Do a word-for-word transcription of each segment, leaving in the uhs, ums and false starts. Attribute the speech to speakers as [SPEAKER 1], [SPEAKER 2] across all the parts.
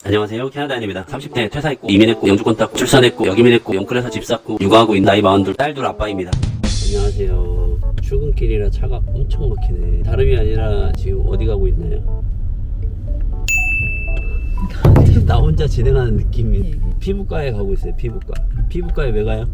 [SPEAKER 1] 안녕하세요, 캐나다인입니다. 삼십 대 퇴사했고 이민했고 영주권 땄고 출산했고 여기민했고 영끌에서 집 샀고 육아하고 있는 나이 마흔둘 딸둘 아빠입니다. 안녕하세요. 출근길이라 차가 엄청 막히네. 다름이 아니라 지금 어디 가고 있나요? 나 혼자 진행하는 느낌이. 피부과에 가고 있어요. 피부과. 피부과에 왜 가요?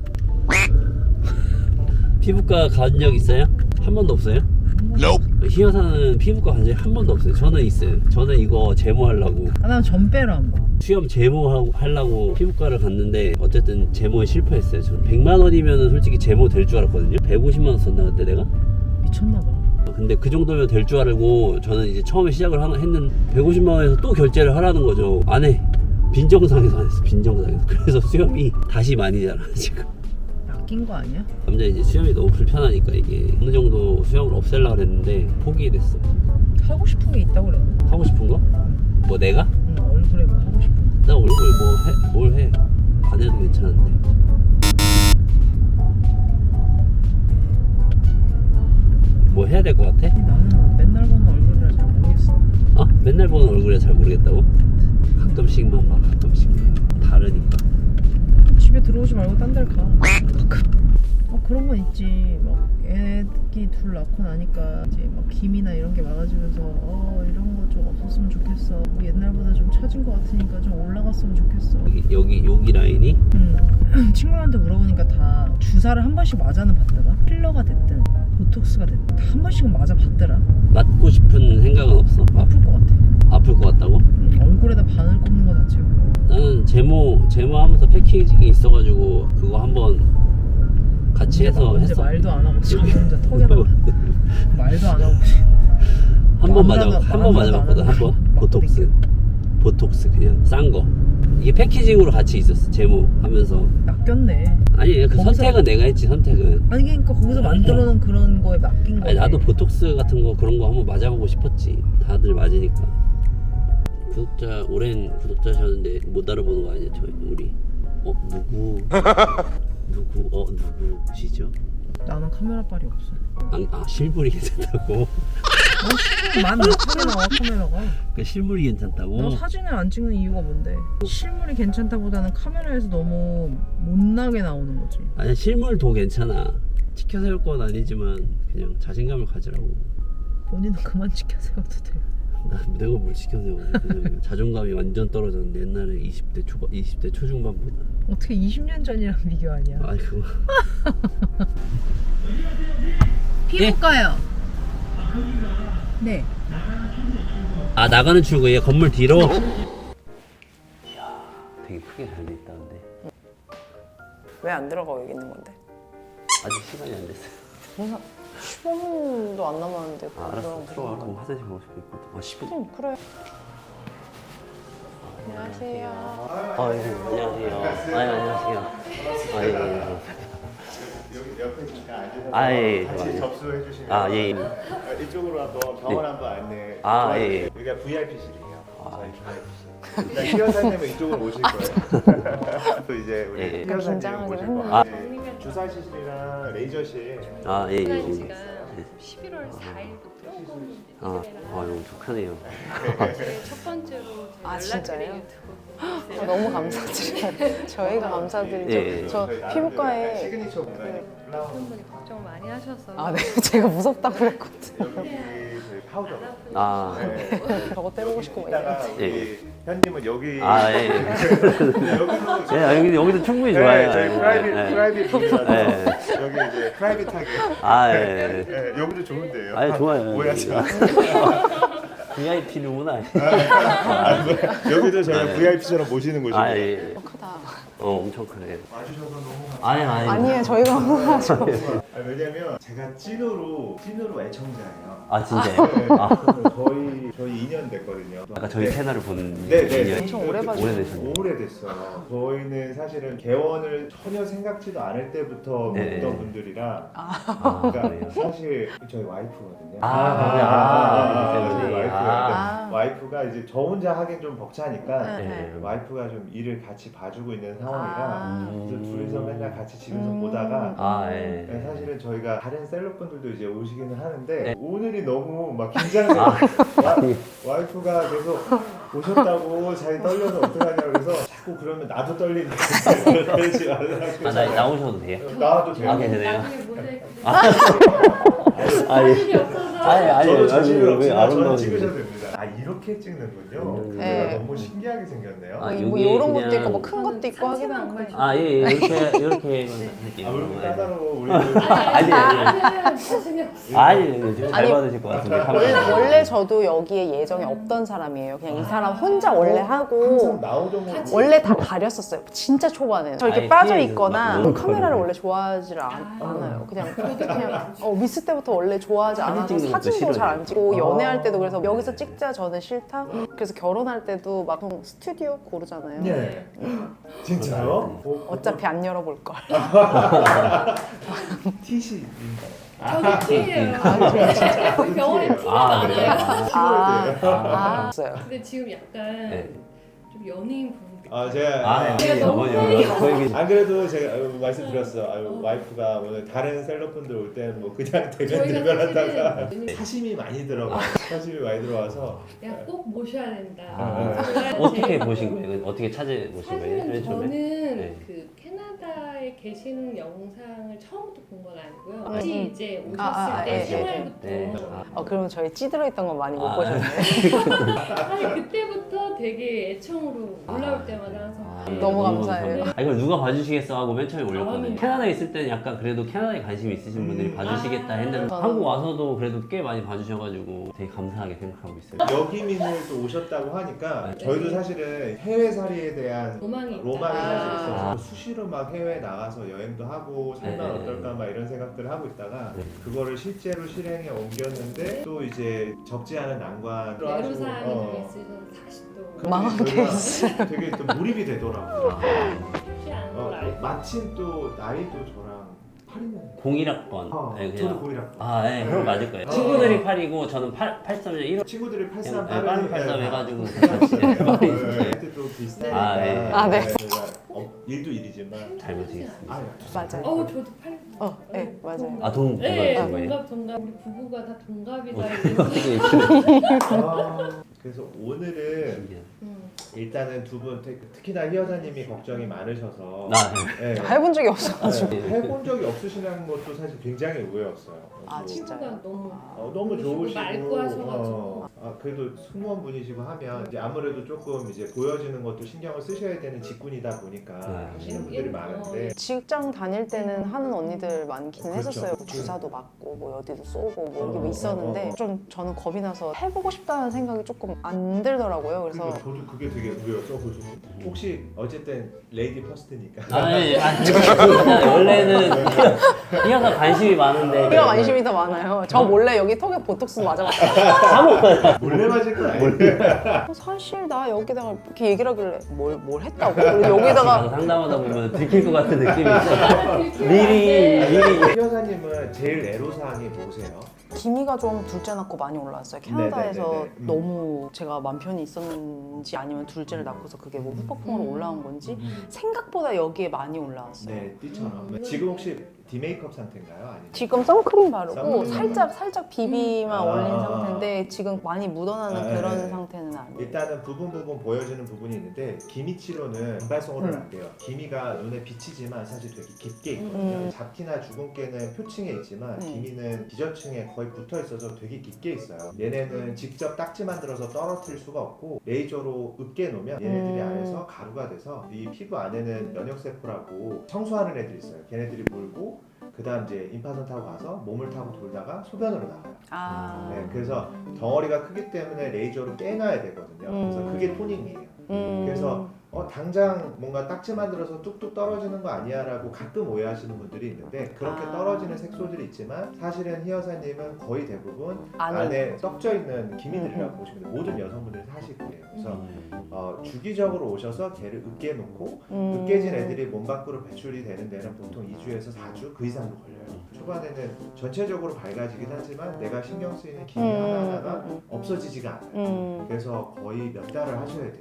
[SPEAKER 1] 피부과 간 적 있어요? 한 번도 없어요? 희 여사는 피부과 간 적이 한 번도 없어요. 저는 있어요. 저는 이거 제모하려고.
[SPEAKER 2] 아, 난 전배로 한 번.
[SPEAKER 1] 수염 제모 하려고 피부과를 갔는데 어쨌든 제모에 실패했어요. 저는 백만 원이면 솔직히 제모 될 줄 알았거든요. 백오십만 원 썼나 그때 내가?
[SPEAKER 2] 미쳤나봐.
[SPEAKER 1] 근데 그 정도면 될 줄 알고 저는 이제 처음에 시작을 하, 했는 백오십만 원에서 또 결제를 하라는 거죠. 안 해. 빈정상에서 안 했어. 빈정상에서. 그래서 수염이 다시 많이 자라 지금.
[SPEAKER 2] 낚인 거 아니야?
[SPEAKER 1] 남자 이제 수염이 너무 불편하니까 이게 어느 정도 수염을 없애려고 그랬는데 포기됐어.
[SPEAKER 2] 하고 싶은 게 있다고 그랬나?
[SPEAKER 1] 하고 싶은 거? 뭐 내가?
[SPEAKER 2] 응, 얼굴에 뭐 하고 싶은 거.
[SPEAKER 1] 나 얼굴 뭐 해? 뭘 해? 안 해도 괜찮은데. 뭐 해야 될 것 같아?
[SPEAKER 2] 나는 맨날 보는 얼굴이라 잘 모르겠어.
[SPEAKER 1] 어? 맨날 보는 얼굴이라 잘 모르겠다고? 가끔씩만 봐. 가끔씩만. 다르니까.
[SPEAKER 2] 집에 들어오지 말고 딴 데를 가. 어, 그런 건 있지. 막 애기 둘 낳고 나니까 이제 막 김이나 이런 게 많아지면서 어 이런 거 좀 없었으면 좋겠어. 뭐 옛날보다 좀 처진 것 같으니까 좀 올라갔으면 좋겠어.
[SPEAKER 1] 여기 여기 여기 라인이
[SPEAKER 2] 음. 친구한테 물어보니까 다 주사를 한 번씩 맞아는 봤더라. 필러가 됐든 보톡스가 됐든 다 한 번씩은 맞아 봤더라.
[SPEAKER 1] 맞고 싶은 생각은 없어? 아,
[SPEAKER 2] 아플 것 같아.
[SPEAKER 1] 아플 것 같다고?
[SPEAKER 2] 음, 얼굴에다 바늘 꼽는 거 자체가.
[SPEAKER 1] 나는 제모 제모 하면서 패키징이 있어가지고 그거 한번 같이 해서
[SPEAKER 2] 이제
[SPEAKER 1] 했어.
[SPEAKER 2] 말도 안 하고 지금 혼자 턱에다 말도 안 하고
[SPEAKER 1] 한 번 맞아
[SPEAKER 2] 아무나-
[SPEAKER 1] 한 번
[SPEAKER 2] 아무나도
[SPEAKER 1] 맞아봤거든.
[SPEAKER 2] 안
[SPEAKER 1] 한 번.
[SPEAKER 2] 하고
[SPEAKER 1] 보톡스. 보톡스 그냥 싼 거. 이게 패키징으로 같이 있었어. 제모 하면서.
[SPEAKER 2] 낚였네.
[SPEAKER 1] 아니 그
[SPEAKER 2] 거기서-
[SPEAKER 1] 선택은 내가 했지. 선택은.
[SPEAKER 2] 아니 그러니까 거기서 만들어놓은 그런 거에 맡긴 거지.
[SPEAKER 1] 아니 나도 보톡스 같은 거 그런 거 한번 맞아보고 싶었지. 다들 맞으니까. 구독자 오랜 구독자셨는데 못 알아보는 거 아니야? 저희 우리. 어 누구? 누구? 어 누구시죠?
[SPEAKER 2] 나는 카메라빨이 없어.
[SPEAKER 1] 아, 아 실물이 괜찮다고?
[SPEAKER 2] 어, 만 몇천에 나와 카메라가.
[SPEAKER 1] 그 실물이 괜찮다고?
[SPEAKER 2] 나 사진을 안 찍는 이유가 뭔데? 실물이 괜찮다보다는 카메라에서 너무 못나게 나오는 거지.
[SPEAKER 1] 아니 실물 도 괜찮아. 치켜 세울 건 아니지만 그냥 자신감을 가지라고.
[SPEAKER 2] 본인은 그만 찍혀 세워도 돼.
[SPEAKER 1] 나 내가 뭘 치켜 세워. 그냥 자존감이 완전 떨어졌는데 옛날에 이십 대 초반, 이십 대 초중반보다.
[SPEAKER 2] 어떻게 이십 년 전이랑 비교하냐?
[SPEAKER 1] 아이 그거.
[SPEAKER 2] 피부과요. 네.
[SPEAKER 1] 아 나가는 출구에 건물 뒤로. 이야 되게 크게 잘 돼 있다 근데.
[SPEAKER 3] 왜 안 들어가고 여기 있는 건데?
[SPEAKER 1] 아직 시간이 안 됐어요.
[SPEAKER 3] 뭔가 십오 분도 안 남았는데
[SPEAKER 1] 아, 알았어 들어가. 그럼 화장실 가고 싶어 있거든. 아 십 분.
[SPEAKER 3] 응, 그래. 안녕하세요.
[SPEAKER 1] 아 예. 안녕하세요. 아 예, 안녕하세요. 아 예. 예.
[SPEAKER 4] 여기 옆에 잠깐 앉으셔서
[SPEAKER 1] 아, 예, 예.
[SPEAKER 4] 같이 접수해 주시면
[SPEAKER 1] 아 예. 예.
[SPEAKER 4] 아, 이쪽으로 한번 병원
[SPEAKER 1] 네.
[SPEAKER 4] 한번 안내
[SPEAKER 1] 아,
[SPEAKER 4] 도와드릴게요.
[SPEAKER 1] 예, 예.
[SPEAKER 4] 여기가 브이아이피실이에요.
[SPEAKER 1] 아.
[SPEAKER 4] 저희 브이아이피실. 일단 희여사님은 이쪽으로 오실 거예요. 또 이제 우리
[SPEAKER 1] 예, 예.
[SPEAKER 4] 희여사님
[SPEAKER 3] 긴장하긴
[SPEAKER 4] 오실
[SPEAKER 3] 했는데.
[SPEAKER 4] 거예요. 네. 주사실이랑 레이저실
[SPEAKER 1] 아 예. 예. 예.
[SPEAKER 5] 지가 십일월 사일부터
[SPEAKER 1] 아, 아 엄청 크네요.
[SPEAKER 5] 제 첫 번째로
[SPEAKER 3] 아,
[SPEAKER 5] 연락드린
[SPEAKER 3] 진짜요?
[SPEAKER 5] 유튜브
[SPEAKER 3] 아, 너무 감사드려요. 저희가 감사드리죠.
[SPEAKER 1] 예, 예.
[SPEAKER 3] 저
[SPEAKER 4] 저희 나름대로
[SPEAKER 3] 피부과에
[SPEAKER 4] 약간 시그니처 공간이 플라워
[SPEAKER 5] 분들이 걱정 많이 하셔서
[SPEAKER 3] 아, 네. 제가 무섭다고 그랬거든요.
[SPEAKER 4] 여기 저희 파우더
[SPEAKER 1] 아,
[SPEAKER 4] 네.
[SPEAKER 3] 저거 떼보고 싶고 막
[SPEAKER 4] 이따가
[SPEAKER 3] 이러는데.
[SPEAKER 1] 예.
[SPEAKER 4] 우리 현님은 여기
[SPEAKER 1] 아 예.
[SPEAKER 4] 여기도
[SPEAKER 1] 예, 아, 여기 여기도 충분히
[SPEAKER 4] 네,
[SPEAKER 1] 좋아요.
[SPEAKER 4] 저희
[SPEAKER 1] 예,
[SPEAKER 4] 프라이빗
[SPEAKER 1] 예.
[SPEAKER 4] 프라이빗 분이라서
[SPEAKER 1] 예.
[SPEAKER 4] 여기 이제 프라이빗하게
[SPEAKER 1] 아 예.
[SPEAKER 4] 예, 여기도 좋은데요.
[SPEAKER 1] 아 좋아요.
[SPEAKER 4] 오해하지 마.
[SPEAKER 1] 브이아이피 누구나.
[SPEAKER 4] 여기도 저희가
[SPEAKER 1] 네.
[SPEAKER 4] 브이아이피처럼 모시는 곳이고.
[SPEAKER 1] 아 예.
[SPEAKER 3] 크다.
[SPEAKER 1] 어 엄청 크네.
[SPEAKER 4] 와주셔서 너무 감사합니다.
[SPEAKER 1] 아니 아니.
[SPEAKER 3] 아니에요. 저희가 감사하죠.
[SPEAKER 4] 아, 왜냐면 제가 찐으로 찐으로 애청자예요.
[SPEAKER 1] 아 진짜요?
[SPEAKER 4] 네,
[SPEAKER 1] 아,
[SPEAKER 4] 저희 저희 이 년 됐거든요.
[SPEAKER 1] 아까 저희 채널을 본
[SPEAKER 4] 네, 네.
[SPEAKER 1] 분이
[SPEAKER 3] 엄청 오래 봐주셨어요.
[SPEAKER 1] 오래되셨네요.
[SPEAKER 4] 오래됐어요. 저희는 사실은 개원을 전혀 생각지도 않을 때부터
[SPEAKER 1] 네.
[SPEAKER 4] 보던 분들이라.
[SPEAKER 1] 아,
[SPEAKER 4] 그러니까
[SPEAKER 1] 그래요?
[SPEAKER 4] 사실 저희 와이프거든요.
[SPEAKER 1] 아, 아, 아,
[SPEAKER 4] 저희
[SPEAKER 1] 때문에.
[SPEAKER 4] 와이프가
[SPEAKER 3] 아.
[SPEAKER 4] 와이프가 이제 저 혼자 하긴 좀 벅차니까
[SPEAKER 3] 네.
[SPEAKER 1] 네.
[SPEAKER 4] 와이프가 좀 일을 같이 봐주고 있는 상황이라
[SPEAKER 3] 아.
[SPEAKER 4] 그래서 둘이서 맨날 같이 집에서
[SPEAKER 3] 음.
[SPEAKER 4] 보다가
[SPEAKER 1] 아 예.
[SPEAKER 4] 네, 사실은 저희가 다른 셀럽분들도 이제 오시기는 하는데
[SPEAKER 1] 네.
[SPEAKER 4] 오늘이 너무 막 긴장돼요.
[SPEAKER 1] 아,
[SPEAKER 4] 와, 와이프가 계속 오셨다고 자기 떨려서 어떡하냐고 그래서 자꾸 그러면 나도 떨린다. 그러지 말라고.
[SPEAKER 1] 아, 나 나오셔도 돼요?
[SPEAKER 4] 나와도 돼요.
[SPEAKER 1] 아, 괜찮아요?
[SPEAKER 5] 나중에 모자이크
[SPEAKER 1] 아니,
[SPEAKER 5] 사진이 없어서
[SPEAKER 1] 아니, 아니,
[SPEAKER 4] 저도
[SPEAKER 1] 아니,
[SPEAKER 4] 자신이
[SPEAKER 1] 왜
[SPEAKER 4] 없지만 저는
[SPEAKER 1] 아름다운
[SPEAKER 4] 찍으셔도 됩니다. 아 이렇게 찍는군요.
[SPEAKER 1] 음.
[SPEAKER 4] 카메라
[SPEAKER 3] 네.
[SPEAKER 4] 너무 신기하게 생겼네요.
[SPEAKER 1] 아,
[SPEAKER 3] 뭐
[SPEAKER 1] 여기
[SPEAKER 3] 이런
[SPEAKER 1] 그냥-
[SPEAKER 3] 것도 있고 뭐 큰 것도 있고 하긴
[SPEAKER 5] 상체만
[SPEAKER 3] 한데.
[SPEAKER 5] 걸쳐.
[SPEAKER 1] 아, 예, 예, 이렇게, 이렇게 할게요.
[SPEAKER 4] 아, 왜 이렇게 까다로워 우리.
[SPEAKER 1] 아니, 아니.
[SPEAKER 5] 자신이 없어.
[SPEAKER 1] 아니, 지금 잘
[SPEAKER 3] 아니,
[SPEAKER 1] 받으실 것 같은데.
[SPEAKER 3] 원래,
[SPEAKER 1] 카메라.
[SPEAKER 3] 원래 저도 여기에 예정이 없던 사람이에요. 그냥 이 사람 혼자 원래
[SPEAKER 4] 항상
[SPEAKER 3] 하고
[SPEAKER 4] 나오던 거.
[SPEAKER 3] 원래 다 가렸었어요. 진짜 초반에. 저 이렇게
[SPEAKER 1] 아예
[SPEAKER 3] 빠져
[SPEAKER 1] 피해서
[SPEAKER 3] 있거나
[SPEAKER 1] 막 너무
[SPEAKER 3] 카메라를
[SPEAKER 1] 걸리네.
[SPEAKER 3] 원래 좋아하지 않,
[SPEAKER 5] 아.
[SPEAKER 3] 않아요. 그냥 그냥 어, 미스 때부터 원래 좋아하지
[SPEAKER 1] 사진
[SPEAKER 3] 않아서
[SPEAKER 1] 찍는 것도
[SPEAKER 3] 사진도
[SPEAKER 1] 싫어해요.
[SPEAKER 3] 잘 안 찍고
[SPEAKER 4] 아.
[SPEAKER 3] 연애할 때도 그래서 여기서 찍자 저는 싫다. 그래서 결혼할 때도 막 보통 스튜디오 고르잖아요.
[SPEAKER 4] 네. 진짜요? 어,
[SPEAKER 3] 어차피 안 열어볼 걸.
[SPEAKER 4] 티시.
[SPEAKER 5] 저도 T예요. 병원에 T가
[SPEAKER 1] 아, 그래요?
[SPEAKER 5] 많아요.
[SPEAKER 3] 아,
[SPEAKER 4] 아,
[SPEAKER 3] 아, 없어요.
[SPEAKER 5] 근데 지금 약간
[SPEAKER 1] 네.
[SPEAKER 5] 좀 연예인 보는 느낌.
[SPEAKER 4] 아 제가
[SPEAKER 1] 아,
[SPEAKER 4] 네.
[SPEAKER 5] 제가
[SPEAKER 1] 예,
[SPEAKER 5] 너무
[SPEAKER 1] 어머니,
[SPEAKER 5] 빨리
[SPEAKER 1] 거기
[SPEAKER 4] 안 그래도 제가 아유, 말씀드렸어. 아유, 와이프가 오늘 다른 셀럽분들 올 때는 뭐 그냥 대면
[SPEAKER 5] 저희가
[SPEAKER 4] 대면하다가
[SPEAKER 5] 사실은
[SPEAKER 4] 사심이 많이 들어가. 사심이 많이 들어와서
[SPEAKER 5] 내가 꼭 모셔야 된다.
[SPEAKER 1] 아,
[SPEAKER 5] 그래야
[SPEAKER 1] 어떻게
[SPEAKER 5] 제일
[SPEAKER 1] 보신 거예요? 어떻게 찾아보신 거예요?
[SPEAKER 5] 사실은
[SPEAKER 1] 맨 처음에?
[SPEAKER 5] 저는
[SPEAKER 1] 네.
[SPEAKER 5] 그 캐나다에 계시는 영상을 처음부터 본 건 아니고요.
[SPEAKER 3] 음,
[SPEAKER 5] 같이
[SPEAKER 3] 음.
[SPEAKER 5] 이제 오셨을
[SPEAKER 3] 아, 아,
[SPEAKER 5] 때
[SPEAKER 3] 예, 예, 예.
[SPEAKER 5] 생활부터
[SPEAKER 1] 네. 아.
[SPEAKER 3] 어, 그럼 저희 찌들어 있던 건 많이 못
[SPEAKER 1] 아.
[SPEAKER 3] 보셨네.
[SPEAKER 5] 사실 그때부터 되게 애청으로 올라올
[SPEAKER 1] 아.
[SPEAKER 5] 때마다 항상
[SPEAKER 1] 아,
[SPEAKER 5] 네.
[SPEAKER 3] 너무 감사해요.
[SPEAKER 1] 아, 이걸 누가 봐주시겠어 하고 맨 처음에 올렸거든요.
[SPEAKER 5] 아니.
[SPEAKER 1] 캐나다에 있을 때는 약간 그래도 캐나다에 관심이 있으신 분들이
[SPEAKER 4] 음.
[SPEAKER 1] 봐주시겠다 했는데
[SPEAKER 3] 아.
[SPEAKER 1] 한국 와서도 그래도 꽤 많이 봐주셔가지고 되게 감사하게 생각하고 있어요.
[SPEAKER 4] 여기민을 또 오셨다고 하니까
[SPEAKER 1] 네.
[SPEAKER 4] 저희도 사실은 해외살이에 대한
[SPEAKER 5] 로망이 있다.
[SPEAKER 4] 로망이 사실
[SPEAKER 3] 아.
[SPEAKER 4] 있어서 수시로 막 해외 나가서 여행도 하고 살면
[SPEAKER 1] 네.
[SPEAKER 4] 어떨까 막 이런 생각들을 하고 있다가
[SPEAKER 1] 네.
[SPEAKER 4] 그거를 실제로 실행에 옮겼는데 또 이제 적지 않은 난관
[SPEAKER 5] 애로사항이
[SPEAKER 4] 어.
[SPEAKER 5] 좀 있으셔서 다시 또
[SPEAKER 4] 근데
[SPEAKER 3] 망한
[SPEAKER 4] 저희가
[SPEAKER 3] 케이스.
[SPEAKER 4] 되게 또 몰입이 되더라고요.
[SPEAKER 5] 쉽지 않은 걸
[SPEAKER 4] 어,
[SPEAKER 5] 알고
[SPEAKER 4] 마침 또 나이도 저랑 팔 년.
[SPEAKER 1] 공일 학번.
[SPEAKER 4] 어,
[SPEAKER 1] 네,
[SPEAKER 4] 저도
[SPEAKER 1] 그냥.
[SPEAKER 4] 공일 학번.
[SPEAKER 1] 아, 네, 그럼 맞을 거예요.
[SPEAKER 4] 어.
[SPEAKER 1] 친구들이 팔이고 저는 팔, 팔삼 년 일 월
[SPEAKER 4] 친구들이 팔삼
[SPEAKER 1] 그냥 빠른 팔삼
[SPEAKER 4] 예,
[SPEAKER 1] 해가지고
[SPEAKER 4] 다.
[SPEAKER 1] 같이
[SPEAKER 4] 네,
[SPEAKER 1] 많이
[SPEAKER 4] 네, 또 비슷하니까
[SPEAKER 1] 아, 네.
[SPEAKER 3] 아, 네.
[SPEAKER 4] 저희가 어, 일도 일이지만
[SPEAKER 1] 잘 모시겠습니다.
[SPEAKER 4] 아,
[SPEAKER 3] 맞아요.
[SPEAKER 5] 어우 저도 팔
[SPEAKER 3] 어, 네, 맞아요.
[SPEAKER 1] 아, 동,
[SPEAKER 5] 네,
[SPEAKER 1] 동갑인 거예요?
[SPEAKER 5] 동갑 동갑 우리 부부가 다 동갑이다.
[SPEAKER 1] 어,
[SPEAKER 5] 이래서.
[SPEAKER 4] 아, 그래서 오늘은
[SPEAKER 1] 신기하다.
[SPEAKER 5] 음.
[SPEAKER 4] 일단은 두 분 특히나 희 여사님이 걱정이 많으셔서
[SPEAKER 1] 아, 네.
[SPEAKER 4] 네.
[SPEAKER 3] 해본 적이 없어가지고.
[SPEAKER 4] 네, 해본 적이 없으시는 것도 사실 굉장히 의외였어요.
[SPEAKER 3] 아,
[SPEAKER 4] 그래서
[SPEAKER 3] 진짜요?
[SPEAKER 5] 친구가 너무
[SPEAKER 4] 어, 너무
[SPEAKER 5] 좋으시고
[SPEAKER 4] 좋으시고
[SPEAKER 5] 맑고 하셔가지고.
[SPEAKER 4] 어, 아, 그래도 승무원 분이시고 하면 이제 아무래도 조금 이제 보여지는 것도 신경을 쓰셔야 되는 직군이다 보니까
[SPEAKER 1] 네.
[SPEAKER 4] 하시는 분들이 많은데
[SPEAKER 3] 직장 다닐 때는 하는 언니들 많기는
[SPEAKER 4] 그렇죠.
[SPEAKER 3] 했었어요. 뭐
[SPEAKER 4] 그렇죠.
[SPEAKER 3] 주사도 맞고 뭐 어디도 쏘고 뭐 이게
[SPEAKER 4] 어,
[SPEAKER 3] 뭐 있었는데
[SPEAKER 4] 어, 어, 어.
[SPEAKER 3] 좀 저는 겁이 나서 해보고 싶다는 생각이 조금 안 들더라고요. 그래서
[SPEAKER 4] 그러니까 저도 그게 되게 의외였어. 그래서 혹시 어쨌든 레이디 퍼스트니까
[SPEAKER 1] 아, 예, 아, 진짜 원래는 희아가 관심이 많은데
[SPEAKER 3] 우리가 관심이 더 많아요. 저 몰래 여기 턱에 보톡스 맞아봤어요.
[SPEAKER 4] 몰래 맞을 건 아니에요.
[SPEAKER 3] 어, 사실 나 여기다가 이렇게 얘기를 하길래 뭘, 뭘 했다고? 그리고 여기다가
[SPEAKER 1] 상담하다 보면 들킬 것 같은 느낌이 있어.
[SPEAKER 5] 아, 들키면
[SPEAKER 1] 미리
[SPEAKER 5] 안 돼.
[SPEAKER 1] 미리
[SPEAKER 4] 희 여사님은 제일 애로사항이 뭐세요?
[SPEAKER 3] 기미가 좀 둘째 낳고 많이 올라왔어요. 캐나다에서
[SPEAKER 4] 네네네네. 음.
[SPEAKER 3] 너무 제가 맘 편히 있었는지 아니면 둘째를 낳고서 그게 뭐 후폭풍으로
[SPEAKER 5] 음.
[SPEAKER 3] 올라온 건지 생각보다 여기에 많이 올라왔어요.
[SPEAKER 4] 네, 띠처럼.
[SPEAKER 5] 음.
[SPEAKER 4] 지금 혹시 디메이크업 상태인가요? 아니면
[SPEAKER 3] 지금 선크림 바르고
[SPEAKER 4] 선크림
[SPEAKER 3] 살짝 살짝 비비만
[SPEAKER 4] 아.
[SPEAKER 3] 올린 상태인데 지금 많이 묻어나는
[SPEAKER 4] 아,
[SPEAKER 3] 그런
[SPEAKER 4] 네.
[SPEAKER 3] 상태는 아니에요.
[SPEAKER 4] 일단은 부분 부분 보여지는 부분이 있는데 기미 치료는 단발성으로는
[SPEAKER 3] 음.
[SPEAKER 4] 안 돼요. 기미가 눈에 비치지만 사실 되게 깊게 있거든요.
[SPEAKER 3] 음.
[SPEAKER 4] 잡티나 주근깨는 표층에 있지만
[SPEAKER 3] 음.
[SPEAKER 4] 기미는 기저층에 거의 붙어 있어서 되게 깊게 있어요. 얘네는 직접 딱지 만들어서 떨어뜨릴 수가 없고 레이저로 으깨 놓으면 얘네들이
[SPEAKER 3] 음.
[SPEAKER 4] 안에서 가루가 돼서 이 피부 안에는 면역세포라고 청소하는 애들이 있어요. 걔네들이 물고 그 다음 이제 임파선 타고 가서 몸을 타고 돌다가 소변으로 나가요.
[SPEAKER 3] 아,
[SPEAKER 4] 네, 그래서 덩어리가 크기 때문에 레이저로 깨놔야 되거든요. 그래서
[SPEAKER 3] 음.
[SPEAKER 4] 그게 토닝이에요.
[SPEAKER 3] 음.
[SPEAKER 4] 그래서 어, 당장 뭔가 딱지 만들어서 뚝뚝 떨어지는 거 아니야 라고 가끔 오해하시는 분들이 있는데 그렇게
[SPEAKER 3] 아.
[SPEAKER 4] 떨어지는 색소들이 있지만 사실은 희 여사님은 거의 대부분
[SPEAKER 3] 안에
[SPEAKER 4] 안에 썩져 있는 기미들이라고
[SPEAKER 3] 음, 음.
[SPEAKER 4] 보시면 돼요. 모든 여성분들이 사실 그래요. 그래서
[SPEAKER 1] 음.
[SPEAKER 4] 어, 주기적으로 오셔서 걔를 으깨 놓고
[SPEAKER 3] 음.
[SPEAKER 4] 으깨진 애들이 몸 밖으로 배출이 되는 데는 보통 이 주에서 사 주 그 이상도 걸려요. 초반에는 전체적으로 밝아지긴 하지만 내가 신경 쓰이는 기미
[SPEAKER 3] 음,
[SPEAKER 4] 하나하나가
[SPEAKER 3] 음,
[SPEAKER 4] 없어지지가 않아요.
[SPEAKER 3] 음.
[SPEAKER 4] 그래서 거의 몇 달을 하셔야 돼요.
[SPEAKER 1] 아,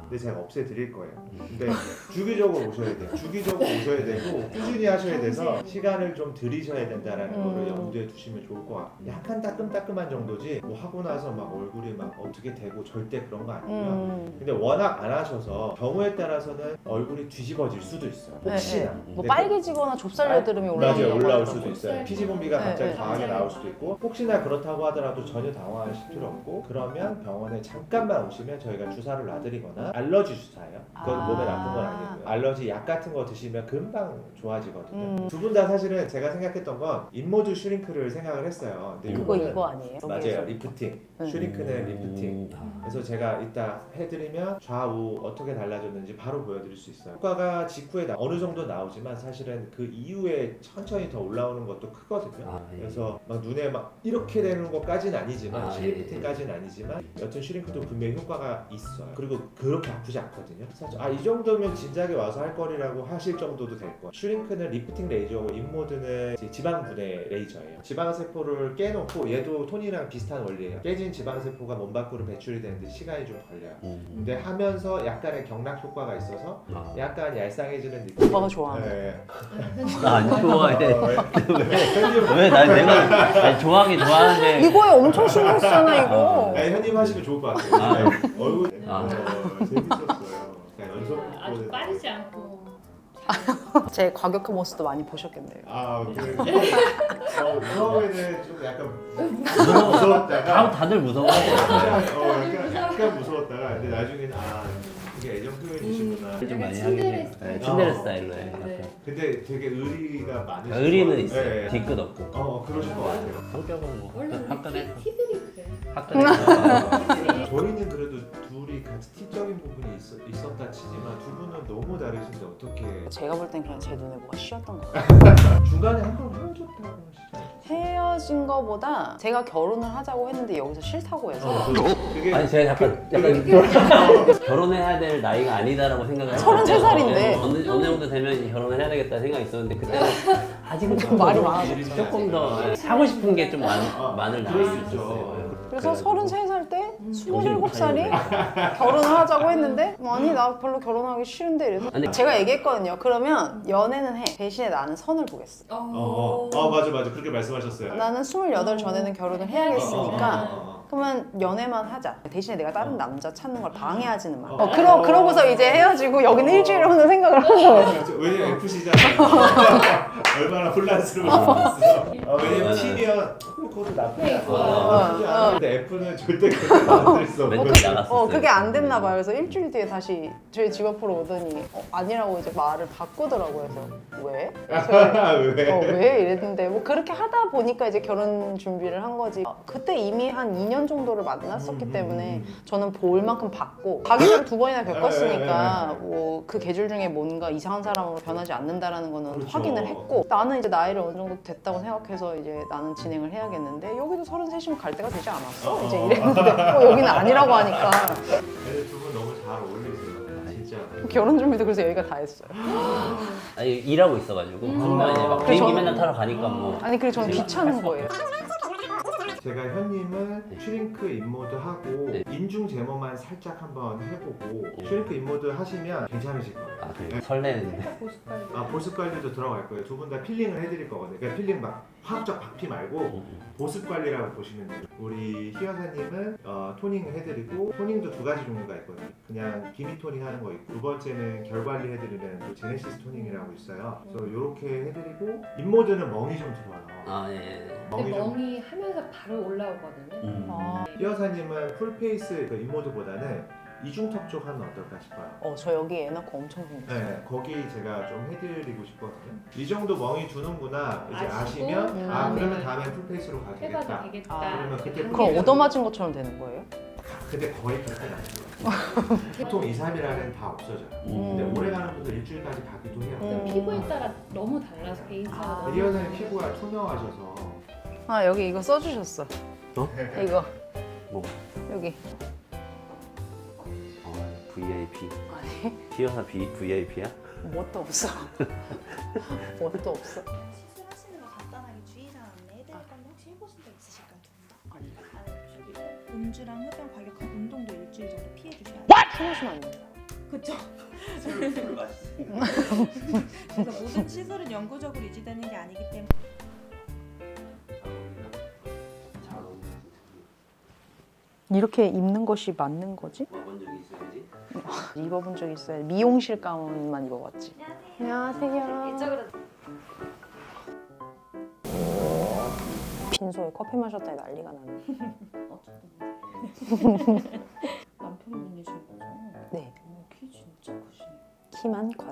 [SPEAKER 4] 근데 제가 없애드릴 거예요. 근데 주기적으로 오셔야 돼요. 주기적으로 오셔야 되고 꾸준히 하셔야 돼서 시간을 좀 들이셔야 된다라는
[SPEAKER 3] 음.
[SPEAKER 4] 거를 염두에 두시면 좋을 것 같아요. 약간 따끔따끔한 정도지 뭐 하고 나서 막 얼굴이 막 어떻게 되고 절대 그런 거 아니고요.
[SPEAKER 3] 음.
[SPEAKER 4] 근데 워낙 안 하셔서 경우에 따라서는 얼굴이 뒤집어질 수도 있어요. 혹시나.
[SPEAKER 3] 네, 네. 뭐
[SPEAKER 4] 근데
[SPEAKER 3] 빨개지거나 좁쌀 여드름이 올라오는
[SPEAKER 4] 맞아요, 올라올
[SPEAKER 3] 거라고
[SPEAKER 4] 수도 있어요.
[SPEAKER 5] 좁쌀.
[SPEAKER 4] 피지분비가
[SPEAKER 3] 네,
[SPEAKER 4] 갑자기
[SPEAKER 3] 네.
[SPEAKER 4] 강하게 나올 수도 있고 혹시나 그렇다고 하더라도 전혀 당황하실 필요 없고 그러면 병원에 잠깐만 오시면 저희가 주사를 놔드리거나 알러지 주사예요. 그건
[SPEAKER 3] 아.
[SPEAKER 4] 몸에 나쁜 건 아니고요. 알러지 약 같은 거 드시면 금방 좋아지거든요.
[SPEAKER 3] 음.
[SPEAKER 4] 두 분 다 사실은 제가 생각했던 건 인모드 슈링크를 생각을 했어요. 근데
[SPEAKER 3] 그거
[SPEAKER 4] 요거는
[SPEAKER 3] 이거 아니에요?
[SPEAKER 4] 맞아요,
[SPEAKER 3] 여기에서.
[SPEAKER 4] 리프팅.
[SPEAKER 3] 네.
[SPEAKER 4] 슈링크는 리프팅.
[SPEAKER 1] 아.
[SPEAKER 4] 그래서 제가 이따 해드리면 좌우 어떻게 달라졌는지 바로 보여드릴 수 있어요. 효과가 직후에 나- 어느 정도 나오지만 사실은 그 이후에 천천히 더 올라오는 것도 크거든요.
[SPEAKER 1] 아, 예.
[SPEAKER 4] 그래서 막 눈에 막 이렇게 되는 것까지는 아니지만
[SPEAKER 1] 아,
[SPEAKER 4] 실리프팅까지는 아니지만 여튼 슈링크도 분명히 효과가 있어요. 그리고 그렇게 아프지 않거든요. 사실 아이 정도면 진작에 와서 할 거리라고 하실 정도도 될 거예요. 슈링크는 리프팅 레이저고 인모드는 이제 지방 분해 레이저예요. 지방 세포를 깨놓고 얘도 톤이랑 비슷한 원리예요. 깨진 지방 세포가 몸 밖으로 배출이 되는데 시간이 좀 걸려요.
[SPEAKER 1] 음.
[SPEAKER 4] 근데 하면서 약간의 경락 효과가 있어서
[SPEAKER 1] 아.
[SPEAKER 4] 약간 얄쌍해지는 느낌.
[SPEAKER 3] 오빠가 좋아하는
[SPEAKER 4] 네.
[SPEAKER 1] 나안 좋아해.
[SPEAKER 4] 어, 현님,
[SPEAKER 1] 왜? 난 내가 아니, 좋아하긴 좋아하는데.
[SPEAKER 3] 이거에 엄청 신경 쓰잖아 이거.
[SPEAKER 4] 네, 현님 하시면 좋을 것 같아요.
[SPEAKER 1] 아.
[SPEAKER 4] 네, 얼굴
[SPEAKER 1] 아.
[SPEAKER 4] 어, 재밌었어요. 그냥 연속
[SPEAKER 5] 아주
[SPEAKER 4] 보는-
[SPEAKER 5] 빠르지 않고
[SPEAKER 3] 제 과격한 모습도 많이 보셨겠네요.
[SPEAKER 4] 아, 그래. 어, 처음에는 좀 약간 무서웠다가
[SPEAKER 1] 다, 다들 무서워.
[SPEAKER 4] 약간, 어, 약간, 약간 무서웠다가 근데 나중에는 아 이게 애정 표현이시구나.
[SPEAKER 1] 좀 많이
[SPEAKER 5] 약간
[SPEAKER 1] 하긴 해요.
[SPEAKER 5] 츤데레
[SPEAKER 1] 네, 츤데레
[SPEAKER 4] 어.
[SPEAKER 1] 스타일로 해.
[SPEAKER 5] 네.
[SPEAKER 4] 근데 되게 의리가 많으시고
[SPEAKER 1] 의리는 있어요.
[SPEAKER 4] 네.
[SPEAKER 1] 뒤끝 없고.
[SPEAKER 4] 어, 그러실 것 같아요.
[SPEAKER 1] 성격은 뭐
[SPEAKER 5] 원래
[SPEAKER 1] 화끈해.
[SPEAKER 5] 우리 티들이 그래.
[SPEAKER 1] 화끈해.
[SPEAKER 4] 저희는 그래도 둘이 같이 티적인 부분이 있, 있었다 치지만 두 분은 너무 다르신데 어떻게
[SPEAKER 3] 제가 볼 땐 그냥 제 눈에 뭐가 씌었던 거 같아요.
[SPEAKER 4] 중간에 한 번 헤어졌다고 하시죠?
[SPEAKER 3] 헤어진 거보다 제가 결혼을 하자고 했는데 여기서 싫다고 해서
[SPEAKER 4] 어, 그게
[SPEAKER 1] 아니 제가 약간 약간 결혼해야 될 나이가 아니다라고 생각을 했어요.
[SPEAKER 3] 서른세 살인데.
[SPEAKER 1] 네, 어느 어느 정도 되면 이제 결혼을 해야 되겠다 생각이 있었는데 그때는 아직은
[SPEAKER 3] 좀 말이
[SPEAKER 1] 더
[SPEAKER 3] 많아졌죠.
[SPEAKER 1] 조금 더 하고 싶은 게 좀 많을 나이일 수
[SPEAKER 4] 그렇죠.
[SPEAKER 1] 있었어요.
[SPEAKER 3] 그래서
[SPEAKER 1] 그래가지고.
[SPEAKER 3] 서른세 살 때 스물일곱 살이 결혼을 하자고 했는데 아니 나 별로 결혼하기 싫은데 이래서
[SPEAKER 1] 아니,
[SPEAKER 3] 제가 얘기했거든요. 그러면 연애는 해. 대신에 나는 선을 보겠어.
[SPEAKER 4] 어, 어, 어 맞아 맞아 그렇게 말씀하셨어요.
[SPEAKER 3] 나는 스물여덟 전에는 결혼을 해야겠으니까
[SPEAKER 4] 어, 어, 어, 어.
[SPEAKER 3] 그러면 연애만 하자. 대신에 내가 다른 남자 찾는 걸 방해하지는 마.
[SPEAKER 4] 어.
[SPEAKER 3] 어, 그러, 그러고서 이제 헤어지고 여기는 일주일에 오는 생각을 한 거예요.
[SPEAKER 4] 그렇죠. 왜냐면 에프씨잖아요. 얼마나 혼란스러웠어. 어, 왜냐면 T면 그것도 나쁘지 않아. 나쁘지 않아. 근데 F는 절대 그렇게 만들 수 없고.
[SPEAKER 1] 멘탈이 나갔었어요.
[SPEAKER 3] 어 그게 안 됐나 봐요. 그래서 일주일 뒤에 다시 저희 집 앞으로 오더니 어, 아니라고 이제 말을 바꾸더라고요. 그래서 왜? 그래서
[SPEAKER 4] 왜?
[SPEAKER 3] 어, 왜 이랬는데 뭐 그렇게 하다 보니까 이제 결혼 준비를 한 거지. 어, 그때 이미 한 이 년 정도를 만났었기
[SPEAKER 4] 음,
[SPEAKER 3] 때문에
[SPEAKER 4] 음, 음.
[SPEAKER 3] 저는 볼 만큼 봤고 가기 전에 두 번이나
[SPEAKER 4] 네,
[SPEAKER 3] 겪었으니까 뭐 그 계절 중에 뭔가 이상한 사람으로 변하지 않는다라는 거는
[SPEAKER 4] 그렇죠.
[SPEAKER 3] 확인을 했고 나는 이제 나이를 어느 정도 됐다고 생각해서 이제 나는 진행을 해야겠는데 여기도 서른셋이면 갈 때가 되지 않았어?
[SPEAKER 4] 어.
[SPEAKER 3] 이제 이랬는데 어, 여기는 아니라고 하니까
[SPEAKER 4] 근데 두 분 너무 잘 어울리세요. 진짜.
[SPEAKER 3] 결혼 준비도 그래서 여기가 다 했어요.
[SPEAKER 1] 아니, 일하고 있어가지고 그러면 이제 막
[SPEAKER 3] 그래서
[SPEAKER 1] 비행기
[SPEAKER 3] 저는-
[SPEAKER 1] 맨날 타러 가니까 뭐
[SPEAKER 3] 아니 그리고 저는 귀찮은 거예요.
[SPEAKER 4] 제가 현님은 슈링크 인모드 하고
[SPEAKER 1] 네.
[SPEAKER 4] 인중 제모만 살짝 한번 해보고
[SPEAKER 1] 네.
[SPEAKER 4] 슈링크 인모드 하시면 괜찮으실 거예요.
[SPEAKER 1] 아, 그래. 설레는데.
[SPEAKER 5] 살짝 보습관리.
[SPEAKER 4] 아 보습 관리도 들어갈 거예요. 두 분 다 필링을 해드릴 거거든요. 그러니까 필링 막 화학적 박피 말고 보습 관리라고 보시면 돼요. 우리 희 여사님은 어, 토닝 해드리고 토닝도 두 가지 종류가 있거든요. 그냥 기미 토닝 하는 거 있고 두 번째는 결 관리 해드리는 또 제네시스 토닝이라고 있어요. 그래서 이렇게 해드리고 인모드는 멍이 좀 들어요.
[SPEAKER 1] 아 예. 예.
[SPEAKER 5] 근데
[SPEAKER 4] 멍이 좀.
[SPEAKER 5] 멍이 하면서 바로 올라오거든요.
[SPEAKER 1] 음.
[SPEAKER 3] 아,
[SPEAKER 4] 희 여사님은 풀페이스 그 인모드보다는 이중턱 쪽 하면 어떨까 싶어요.
[SPEAKER 3] 어, 저 여기 애 낳고 엄청 생겼어요.
[SPEAKER 4] 네, 거기 제가 좀 해드리고 싶거든요. 이 정도 멍이 두는구나 이제
[SPEAKER 5] 아시고,
[SPEAKER 4] 아시면
[SPEAKER 3] 음.
[SPEAKER 4] 아 그러면 다음엔 풀페이스로 가도
[SPEAKER 5] 해봐도
[SPEAKER 4] 되겠다.
[SPEAKER 5] 되겠다.
[SPEAKER 3] 아,
[SPEAKER 4] 그러면 그때
[SPEAKER 3] 그럼 얻어맞은 것처럼 되는 거예요?
[SPEAKER 4] 근데 거의 그렇게는 아니고요. 보통 이, 삼 일 안에는 다 없어져요.
[SPEAKER 1] 음.
[SPEAKER 4] 근데 오래 가는 분들 일주일까지 가기도 해요.
[SPEAKER 3] 음.
[SPEAKER 5] 피부에 따라 너무 달라서 개인차가
[SPEAKER 3] 아.
[SPEAKER 5] 너무
[SPEAKER 4] 리 여사님 피부가 투명하셔서
[SPEAKER 3] 아 여기 이거 써주셨어.
[SPEAKER 1] 어?
[SPEAKER 3] 이거
[SPEAKER 1] 뭐?
[SPEAKER 3] 여기.
[SPEAKER 1] 어, 브이아이피.
[SPEAKER 3] 아니
[SPEAKER 1] 피어사 브이아이피야?
[SPEAKER 3] 뭣도 없어. 뭣도 없어.
[SPEAKER 6] 시술하시는 거 간단하게 주의사항 안내해드릴 건데 혹시 해보신 적 있으실까요? 두 분 다?
[SPEAKER 3] 아니
[SPEAKER 6] 안 해보시고 음주랑 흡연 과격한 운동도 일주일 정도 피해주셔야 돼요.
[SPEAKER 3] 술 마시면 안 돼요.
[SPEAKER 6] 그쵸.
[SPEAKER 1] 술을 술을 마시니까.
[SPEAKER 6] 그래서 모든 시술은 영구적으로 유지되는 게 아니기 때문에.
[SPEAKER 1] 잘 어울려.
[SPEAKER 3] 이렇게 입는 것이 맞는 거지?
[SPEAKER 1] 와본 적이 있어야지.
[SPEAKER 3] 입어본 적 있어요. 미용실 가운만 입어봤지. 안녕하세요.
[SPEAKER 6] 이쪽으로.
[SPEAKER 3] 빈소에 커피 마셨더니 난리가 나네.
[SPEAKER 6] 남편분이신 거죠?
[SPEAKER 3] 네,
[SPEAKER 6] 어, 키 진짜 크시네.
[SPEAKER 3] 키만 커요.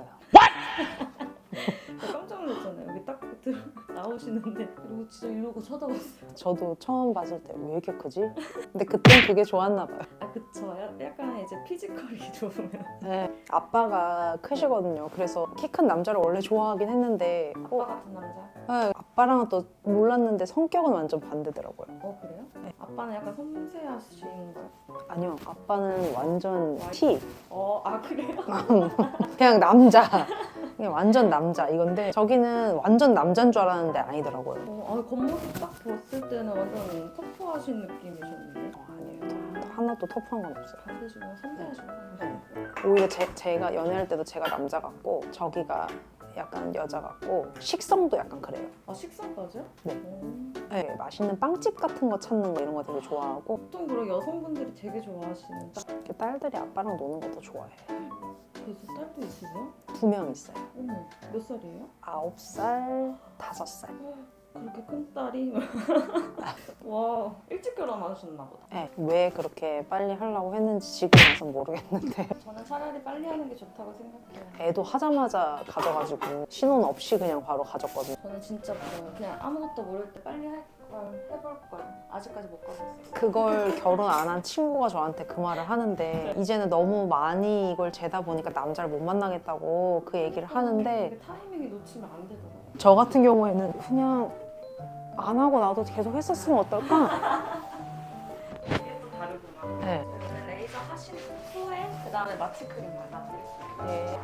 [SPEAKER 6] 저 깜짝 놀랐잖아요. 여기 딱 들어 나오시는데 그리고 진짜 이러고 쳐다봤어요.
[SPEAKER 3] 저도 처음 봤을 때 왜 이렇게 크지? 근데 그땐 그게 좋았나 봐요.
[SPEAKER 6] 아 그쵸. 야- 약간 이제 피지컬이 좋으면.
[SPEAKER 3] 네, 아빠가 크시거든요. 그래서 키 큰 남자를 원래 좋아하긴 했는데
[SPEAKER 6] 아빠 같은 남자.
[SPEAKER 3] 네, 아빠랑은 또 몰랐는데 성격은 완전 반대더라고요.
[SPEAKER 6] 어 그래요?
[SPEAKER 3] 네.
[SPEAKER 6] 아빠는 약간 섬세하신가요?
[SPEAKER 3] 아니요, 아빠는 완전 T.
[SPEAKER 6] 어아 그래요?
[SPEAKER 3] 그냥 남자. 그냥 완전 남자 이건데 저기는 완전 남자인 줄 알았는데 아니더라고요.
[SPEAKER 6] 어, 아 겉모습 딱 봤을 때는 완전 터프하신 느낌이셨는데.
[SPEAKER 3] 어, 아니에요. 더- 하나도 터프한 건 없어요.
[SPEAKER 6] 반대시고 섬세하시고.
[SPEAKER 3] 네. 오히려 제, 제가 연애할 때도 제가 남자 같고 저기가 약간 여자 같고 식성도 약간 그래요.
[SPEAKER 6] 아 식사까지요?
[SPEAKER 3] 네.
[SPEAKER 6] 어.
[SPEAKER 3] 네, 맛있는 빵집 같은 거 찾는 거 이런 거 되게 좋아하고
[SPEAKER 6] 보통 그런 여성분들이 되게 좋아하시는 딱
[SPEAKER 3] 이렇게 딸들이 아빠랑 노는 것도 좋아해.
[SPEAKER 6] 벌써 딸도 있으세요?
[SPEAKER 3] 두 명 있어요.
[SPEAKER 6] 어머 몇 살이에요?
[SPEAKER 3] 아홉 살, 다섯 살.
[SPEAKER 6] 그렇게 큰 딸이 와 일찍 결혼하셨나 보다.
[SPEAKER 3] 네, 왜 그렇게 빨리 하려고 했는지 지금 와서 모르겠는데
[SPEAKER 6] 저는 차라리 빨리 하는 게 좋다고 생각해요.
[SPEAKER 3] 애도 하자마자 가져가지고 신혼 없이 그냥 바로 가졌거든요.
[SPEAKER 6] 저는 진짜 그래요. 그냥 아무것도 모를 때 빨리 할 걸 해볼 걸 아직까지 못 가봤어요.
[SPEAKER 3] 그걸 결혼 안 한 친구가 저한테 그 말을 하는데 이제는 너무 많이 이걸 재다 보니까 남자를 못 만나겠다고 그 얘기를 하는데
[SPEAKER 6] 이게 타이밍이 놓치면 안 되더라고요.
[SPEAKER 3] 저 같은 경우에는 그냥 안 하고 나도 계속 했었으면 어떨까?
[SPEAKER 6] 이게 또 다르구나.
[SPEAKER 3] 네.
[SPEAKER 6] 저는 레이저 하신 후에 그 다음에 마취 크림 발라드릴게요.
[SPEAKER 3] 네.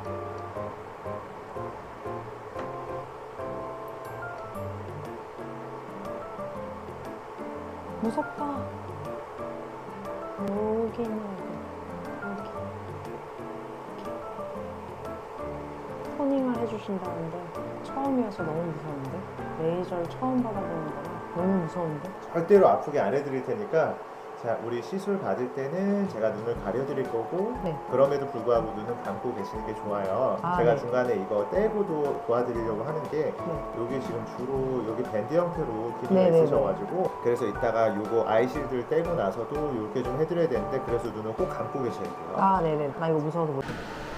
[SPEAKER 3] 무섭다. 여기는 여기. 토닝을 해주신다는데 처음이어서 너무 무서운데 레이저를 처음 받아보는 거라 너무 무서운데.
[SPEAKER 4] 절대로 아프게 안 해드릴 테니까 자 우리 시술 받을 때는 제가 눈을 가려드릴 거고
[SPEAKER 3] 네.
[SPEAKER 4] 그럼에도 불구하고 눈은 감고 계시는 게 좋아요.
[SPEAKER 3] 아,
[SPEAKER 4] 제가
[SPEAKER 3] 네.
[SPEAKER 4] 중간에 이거 떼고도 도와드리려고 하는 게
[SPEAKER 3] 네.
[SPEAKER 4] 여기 지금 주로 여기 밴드 형태로 길이가
[SPEAKER 3] 네, 네,
[SPEAKER 4] 있으셔가지고 그래서 이따가 요거 아이실드를 떼고 나서도 이렇게 좀 해드려야 되는데 그래서 눈을 꼭 감고 계셔야 돼요.
[SPEAKER 3] 아 네네. 나 이거 무서워서 못.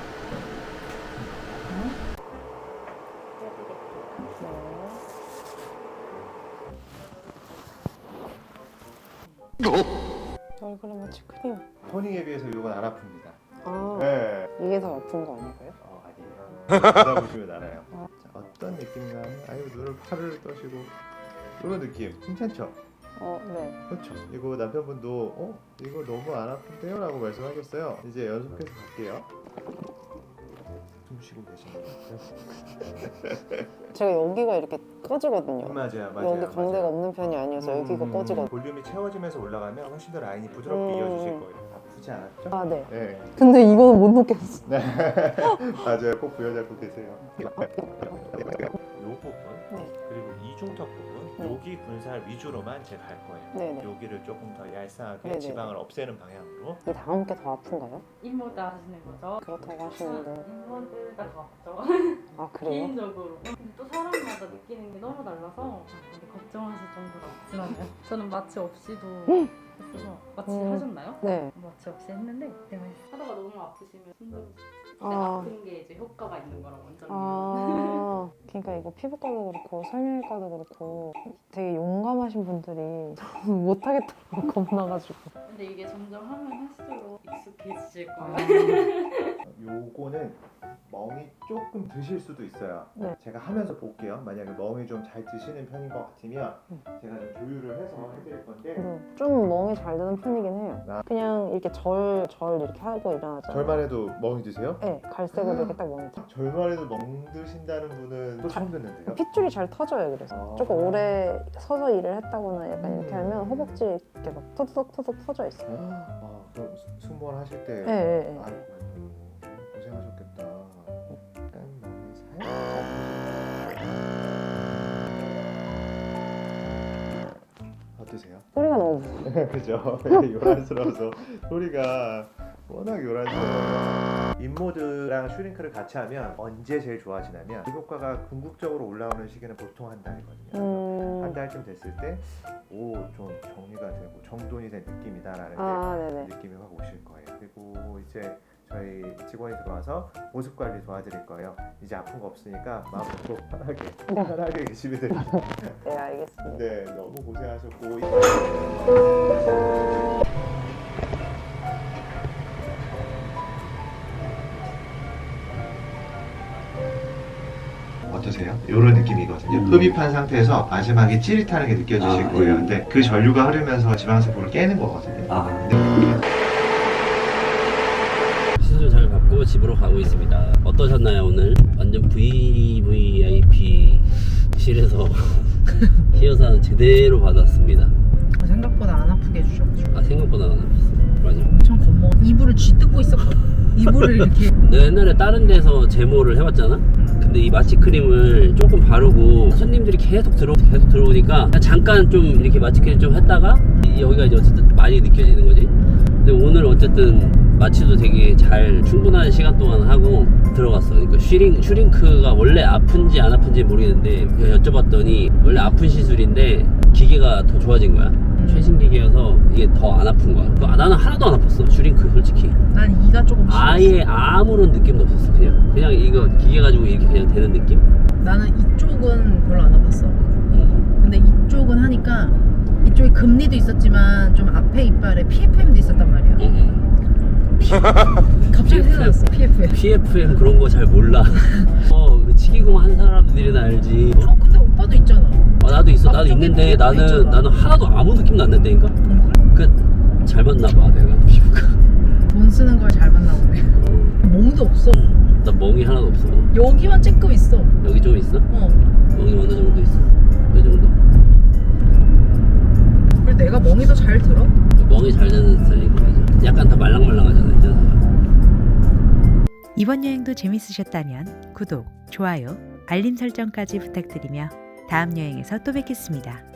[SPEAKER 3] 얼굴에 마취 크림.
[SPEAKER 4] 토닝에 비해서 이건 안 아픕니다.
[SPEAKER 3] 아
[SPEAKER 4] 네.
[SPEAKER 3] 이게 더 아픈 거 아닌가요?
[SPEAKER 4] 어, 아니에요. 받아보시면 알아요. 자, 어떤 느낌이냐면 아유 눈을 팔을 떠시고 이런 느낌 괜찮죠?
[SPEAKER 3] 어 네.
[SPEAKER 4] 그렇죠. 이거 남편분도 어? 이거 너무 안 아픈데요? 라고 말씀하셨어요. 이제 연속해서 갈게요. 숨 쉬고 계시는
[SPEAKER 3] 제가 여기가 이렇게 꺼지거든요.
[SPEAKER 4] 맞아요. 맞아요.
[SPEAKER 3] 여기 광대가
[SPEAKER 4] 맞아요.
[SPEAKER 3] 없는 편이 아니어서
[SPEAKER 4] 음,
[SPEAKER 3] 여기가
[SPEAKER 4] 음,
[SPEAKER 3] 꺼지거든요.
[SPEAKER 4] 볼륨이 채워지면서 올라가면 훨씬 더 라인이 부드럽게
[SPEAKER 3] 음.
[SPEAKER 4] 이어지실 거예요. 아프지 않았죠?
[SPEAKER 3] 아 네.
[SPEAKER 4] 네.
[SPEAKER 3] 근데 이거는 못 놓겠어.
[SPEAKER 4] 네. 맞아요. 꼭 부여잡고 계세요. 이 부분
[SPEAKER 3] 네.
[SPEAKER 4] 그리고 이중턱 부분
[SPEAKER 3] 네.
[SPEAKER 4] 여기 군살 위주로만 제가 할 거예요.
[SPEAKER 3] 네네.
[SPEAKER 4] 여기를 조금 더 얄쌍하게
[SPEAKER 3] 네네.
[SPEAKER 4] 지방을 없애는 방향으로.
[SPEAKER 3] 이 다음 게 더 아픈가요?
[SPEAKER 5] 인모드 하시는 거죠?
[SPEAKER 3] 그렇다고 하시는데.
[SPEAKER 5] 인모드가 더 아프죠?
[SPEAKER 3] 아 그래요?
[SPEAKER 5] 개인적으로. 근데 또 사람마다 느끼는 게 너무 달라서 근데 걱정하실 정도로 아프진 않아요. 저는 마취 없이도 했어서 마취
[SPEAKER 3] 음.
[SPEAKER 5] 하셨나요?
[SPEAKER 3] 네.
[SPEAKER 5] 마취 없이 했는데 그냥 하다가 너무 아프시면 힘들어서
[SPEAKER 3] 아.
[SPEAKER 5] 근데 아픈 게 이제 효과가 있는 거랑 완전
[SPEAKER 3] 아, 그러니까 이거 피부과도 그렇고 설명외과도 그렇고 되게 용감하신 분들이 못하겠다고 겁나가지고.
[SPEAKER 5] 근데 이게 점점 하면 할수록 익숙해지실 거예요.
[SPEAKER 3] 아,
[SPEAKER 4] 요거는 멍이 조금 드실 수도 있어요.
[SPEAKER 3] 네.
[SPEAKER 4] 제가 하면서 볼게요. 만약에 멍이 좀 잘 드시는 편인 것 같으면
[SPEAKER 3] 음.
[SPEAKER 4] 제가 좀 조율을 해서 해드릴 건데
[SPEAKER 3] 네. 좀 멍이 잘 드는 편이긴 해요.
[SPEAKER 4] 아.
[SPEAKER 3] 그냥 이렇게 절, 절 이렇게 하고 일어나잖아요.
[SPEAKER 4] 절만 해도 멍이 드세요?
[SPEAKER 3] 네, 갈색으로 이렇게 딱 멍이 드.
[SPEAKER 4] 절만 해도 멍 드신다는 분은 또 처음 듣는데요?
[SPEAKER 3] 핏줄이 잘 터져요. 그래서
[SPEAKER 4] 아.
[SPEAKER 3] 조금 오래 서서 일을 했다거나 약간 이렇게
[SPEAKER 4] 음.
[SPEAKER 3] 하면 허벅지 이렇게 막 터득터득 터져 있어요.
[SPEAKER 4] 아, 그럼 승무원 하실 때
[SPEAKER 3] 네, 네, 네.
[SPEAKER 4] 아이고, 어떠세요?
[SPEAKER 3] 소리가 너무 무서워.
[SPEAKER 4] 그죠? 요란스러워서 소리가 워낙 요란스러워요. 인모드랑 슈링크를 같이 하면 언제 제일 좋아지냐면 그 효과가 궁극적으로 올라오는 시기는 보통 한 달이거든요.
[SPEAKER 3] 음...
[SPEAKER 4] 한 달쯤 됐을 때 오 좀 정리가 되고 정돈이 된 느낌이다라는
[SPEAKER 3] 아, 네네.
[SPEAKER 4] 느낌이 확 오실 거예요. 그리고 이제 저희 직원이 들어와서 보습 관리 도와드릴 거예요. 이제 아픈 거 없으니까 마음 놓고 편하게 편하게 계시면 됩니다.
[SPEAKER 3] 네, 알겠습니다.
[SPEAKER 4] 네, 너무 고생하셨고. 어떠세요? 이런 느낌이거든요.
[SPEAKER 1] 음.
[SPEAKER 4] 흡입한 상태에서 마지막에 찌릿하는 게 느껴지실
[SPEAKER 1] 아,
[SPEAKER 4] 거예요.
[SPEAKER 1] 예.
[SPEAKER 4] 근데 그 전류가 흐르면서 지방세포를 깨는 거거든요.
[SPEAKER 1] 아.
[SPEAKER 4] 근데
[SPEAKER 1] 시술 잘 받고 집으로 가고 있습니다. 어떠셨나요 오늘? 완전 브이브이아이피실에서 히어산 제대로 받았습니다.
[SPEAKER 2] 생각보다 안 아프게 해주셔가지고
[SPEAKER 1] 아 생각보다 안 아팠어. 맞아.
[SPEAKER 2] 엄청 겁먹어. 이불을 쥐뜯고 있었거든. 이불을 이렇게.
[SPEAKER 1] 내가 옛날에 다른 데서 제모를 해봤잖아? 근데 이 마취 크림을 조금 바르고 손님들이 계속 들어 계속 들어오니까 잠깐 좀 이렇게 마취 크림 좀 했다가 이- 여기가 이제 어쨌든 많이 느껴지는 거지. 근데 오늘 어쨌든 마취도 되게 잘 충분한 시간 동안 하고 들어갔어. 그러니까 슈링, 슈링크가 원래 아픈지 안 아픈지 모르겠는데 그냥 여쭤봤더니 원래 아픈 시술인데 기계가 더 좋아진 거야. 최신 기계여서 이게 더 안 아픈 거야. 그- 나는 하나도 안 아팠어. 슈링크 솔직히.
[SPEAKER 2] 난 이가 조금 심했어.
[SPEAKER 1] 아예 아무런 느낌도 없었어. 그냥 그냥 이거 기계 가지고 이렇게 그냥 되는 느낌?
[SPEAKER 2] 나는 이쪽은 별로 안 아팠어.
[SPEAKER 1] 음.
[SPEAKER 2] 근데 이쪽은 하니까 이쪽에 금리도 있었지만 좀 앞에 이빨에 피에프엠도 있었단 말이야.
[SPEAKER 1] 음.
[SPEAKER 2] 갑자기 생각났어. 피에프엠.
[SPEAKER 1] 피에프엠 그런 거 잘 몰라. 어, 그 치기공 한 사람들이나 알지.
[SPEAKER 2] 어 근데 오빠도 있잖아.
[SPEAKER 1] 어, 나도 있어. 나도
[SPEAKER 2] 앞쪽에
[SPEAKER 1] 있는데
[SPEAKER 2] 피에프엠
[SPEAKER 1] 나는
[SPEAKER 2] 있잖아.
[SPEAKER 1] 나는 하나도 아무 느낌도 안 난다니까.
[SPEAKER 2] 응.
[SPEAKER 1] 그 잘 맞나 봐 내가 피부가.
[SPEAKER 2] 돈 쓰는 걸 잘 만나 보네.
[SPEAKER 1] 어,
[SPEAKER 2] 멍도 없어.
[SPEAKER 1] 나 멍이 하나도 없어.
[SPEAKER 2] 여기만 쬐끔 있어.
[SPEAKER 1] 여기 좀 있어?
[SPEAKER 2] 어.
[SPEAKER 1] 멍이 어느 정도 있어? 이 정도?
[SPEAKER 2] 그리고 내가 멍이 더 잘 들어.
[SPEAKER 1] 멍이 잘 되는 스타일인 거 맞아. 약간 더 말랑말랑하잖아 이제.
[SPEAKER 7] 이번 여행도 재밌으셨다면 구독, 좋아요, 알림 설정까지 부탁드리며 다음 여행에서 또 뵙겠습니다.